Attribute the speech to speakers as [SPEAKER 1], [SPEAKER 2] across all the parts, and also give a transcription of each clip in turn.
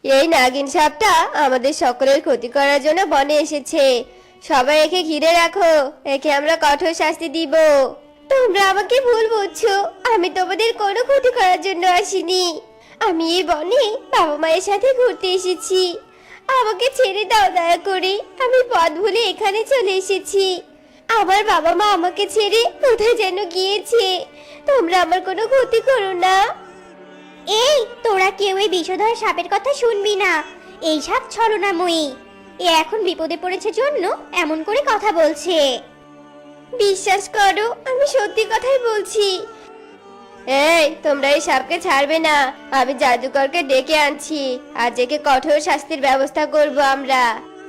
[SPEAKER 1] এই নাগিন সাপটা আমাদের সকলের ক্ষতি করার জন্য বনে এসেছে। সবাই একে ঘিরে রাখো, একে আমরা কঠোর শাস্তি দিব। তোমরা আমাকে ভুল বুঝছো, আমি তোমাদের কোনো ক্ষতি করার জন্য আসিনি। আমি এই বনে বাবা মায়ের সাথে ঘুরতে এসেছি। আমাকে ছেড়ে দাও দয়া করে, আমি পথ ভুলে এখানে চলে এসেছি। আমার বাবা মা আমাকে ছেড়ে কোথায় যেন গিয়েছে। তোমরা আমার কোনো ক্ষতি করো না।
[SPEAKER 2] এই তোরা কেউ এই বিষধর সাপের কথা শুনবি না। এই সাপ ছলনাময়ী। এ এখন বিপদে পড়েছে জন্য এমন করে কথা বলছে।
[SPEAKER 1] বিশ্বাস করো, আমি সত্যি কথাই বলছি। এই তোমরা এই সাপকে ছাড়বে না। আমি জাদুকরকে ডেকে আনছি, আজ একে কঠোর শাস্তির ব্যবস্থা করব আমরা।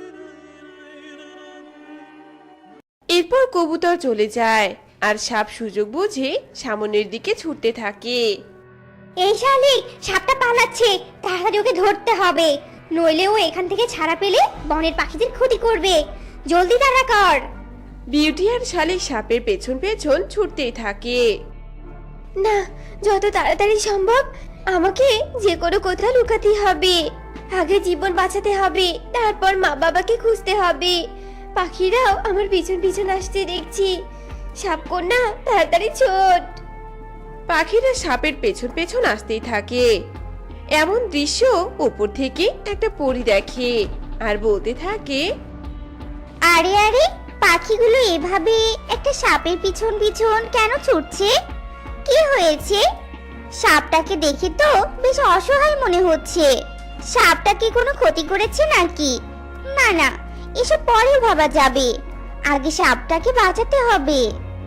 [SPEAKER 3] এরপর কবুতর চলে যায় আর সাপ সুযোগ বুঝে সামনের দিকে ছুটতে থাকে।
[SPEAKER 2] এই শালিক, সাপটা পালাচ্ছে, তাড়াতাড়ি ওকে ধরতে হবে, নইলে ও এখান থেকে ছাড়া পেলে বনের পাখিদের ক্ষতি করবে। জলদি তাড়া কর।
[SPEAKER 3] বিউটি আর শালিক সাপের পেছন পেছন ছুটতেই থাকে।
[SPEAKER 1] না, যত তাড়াতাড়ি সম্ভব আমাকে যে কোনো কোথাও লুকাতে হবে। আগে জীবন বাঁচাতে হবে, তারপর মা বাবাকে খুঁজতে হবে। পাখিরাও আমার পিছন পিছন আসতে দেখছি। সাপকন্যা তাড়াতাড়ি ছোট।
[SPEAKER 3] পাখিরা সাপের পেছন পেছন আসতেই থাকে। এমন দৃশ্য উপর থেকে একটা পরী দেখে আর বলতে থাকে,
[SPEAKER 2] আরে আরে, পাখিগুলো এভাবে একটা সাপের পিছন পিছন কেন ছুটছে? কি হয়েছে? সাপটাকে দেখে তো বেশ অসহায় মনে হচ্ছে। সাপটা কি কোনো ক্ষতি করেছে নাকি? না না, এসব পরে ভাবা যাবে, আগে সাপটাকে বাঁচাতে হবে।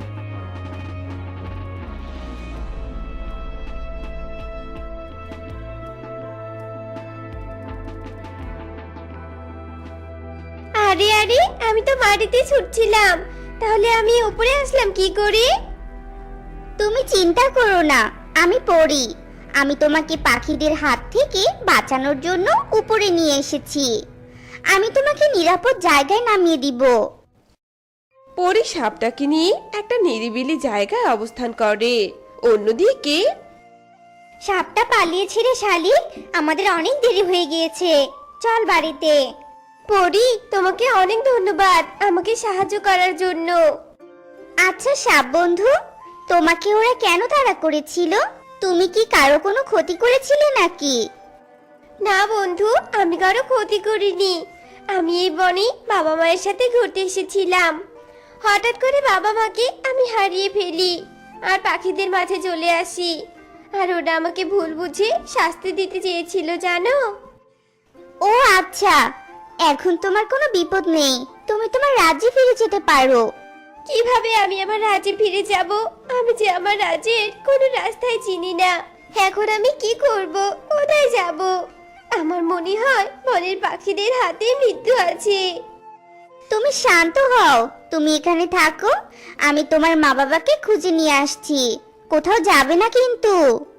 [SPEAKER 1] আরে আরে, আমি তো মাটিতে ছুটছিলাম, তাহলে আমি উপরে আসলাম কি করে?
[SPEAKER 2] তুমি চিন্তা করো না, আমি পড়ি। আমি তোমাকে পাখিদের হাত থেকে বাঁচানোর জন্য উপরে নিয়ে এসেছি। আমি তোমাকে নিরাপদ জায়গায় নামিয়ে দিব।
[SPEAKER 3] পরী সাপটাকে নিয়ে একটা নিরিবিলি জায়গায় অবস্থান করে। অন্যদিকে
[SPEAKER 2] সাপটা পালিয়েছে রে শালিক, আমাদের অনেক দেরি হয়ে গিয়েছে, চল বাড়িতে।
[SPEAKER 1] পরি, তোমাকে অনেক ধন্যবাদ আমাকে সাহায্য করার জন্য।
[SPEAKER 2] আচ্ছা সাপ বন্ধু, তোমাকে ওরা কেন তাড়া করেছিল? তুমি কি কারো কোনো ক্ষতি করেছিলে নাকি?
[SPEAKER 1] না বন্ধু, আমি কারো ক্ষতি করিনি। আমি এই বনে বাবা মায়ের সাথে ঘুরতে এসেছিলাম। হঠাৎ করে বাবা মাকে আমি হারিয়ে ফেলি আর পাখিদের মাঝে চলে আসি। আর ওরা আমাকে ভুল বুঝে শাস্তি দিতে চেয়েছিল জানো।
[SPEAKER 2] ও আচ্ছা, এখন তোমার কোনো বিপদ নেই, তুমি তোমার রাজ্যে ফিরে যেতে পারো।
[SPEAKER 1] কিভাবে আমি আমার রাজ্যে ফিরে যাব? আমি যে আমার রাজ্যের কোনো রাস্তায় চিনি না। এখন আমি কি করব, কোথায় যাব? আমার মনে হয় বনের পাখিদের হাতে মৃত্যু আছে।
[SPEAKER 2] তুমি শান্ত হও, তুমি এখানে থাকো, আমি তোমার মা বাবাকে খুঁজে নিয়ে আসছি। কোথাও যাবে না কিন্তু।